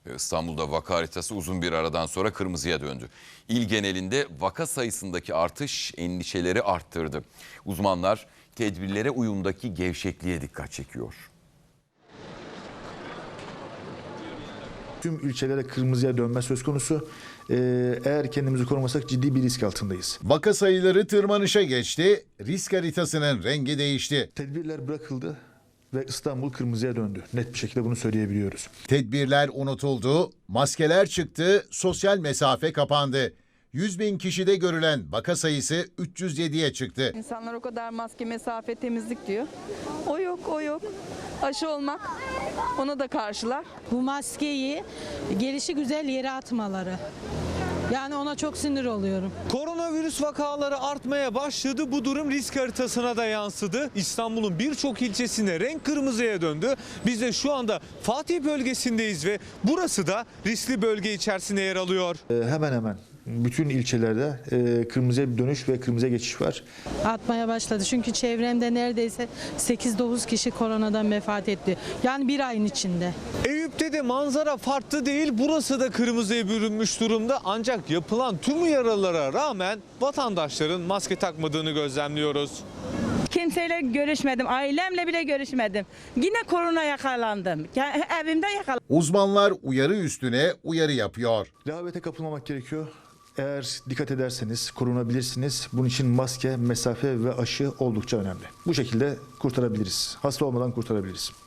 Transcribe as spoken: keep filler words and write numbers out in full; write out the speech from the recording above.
İstanbul'da vaka haritası uzun bir aradan sonra kırmızıya döndü. İl genelinde vaka sayısındaki artış endişeleri arttırdı. Uzmanlar tedbirlere uyumdaki gevşekliğe dikkat çekiyor. Tüm ilçelere kırmızıya dönme söz konusu. Ee, eğer kendimizi korumasak ciddi bir risk altındayız. Vaka sayıları tırmanışa geçti, risk haritasının rengi değişti. Tedbirler bırakıldı ve İstanbul kırmızıya döndü. Net bir şekilde bunu söyleyebiliyoruz. Tedbirler unutuldu, maskeler çıktı, sosyal mesafe kapandı. yüz bin kişide görülen vaka sayısı üç yüz yediye çıktı. İnsanlar o kadar maske, mesafe, temizlik diyor. O yok, o yok. Aşı olmak, ona da karşılar. Bu maskeyi gelişi güzel yere atmaları. Yani ona çok sinir oluyorum. Koronavirüs vakaları artmaya başladı. Bu durum risk haritasına da yansıdı. İstanbul'un birçok ilçesinde renk kırmızıya döndü. Biz de şu anda Fatih bölgesindeyiz ve burası da riskli bölge içerisinde yer alıyor. Ee, hemen hemen bütün ilçelerde e, kırmızıya bir dönüş ve kırmızıya geçiş var. Atmaya başladı. Çünkü çevremde neredeyse sekiz dokuz kişi koronadan vefat etti. Yani bir ayın içinde. Eyüp'te de manzara farklı değil. Burası da kırmızıya bürünmüş durumda. Ancak yapılan tüm uyarılara rağmen vatandaşların maske takmadığını gözlemliyoruz. Kimseyle görüşmedim, ailemle bile görüşmedim. Yine korona yakalandım. Evimde yakalandım. Uzmanlar uyarı üstüne uyarı yapıyor. Rehavete kapılmamak gerekiyor. Eğer dikkat ederseniz korunabilirsiniz. Bunun için maske, mesafe ve aşı oldukça önemli. Bu şekilde kurtarabiliriz. Hasta olmadan kurtarabiliriz.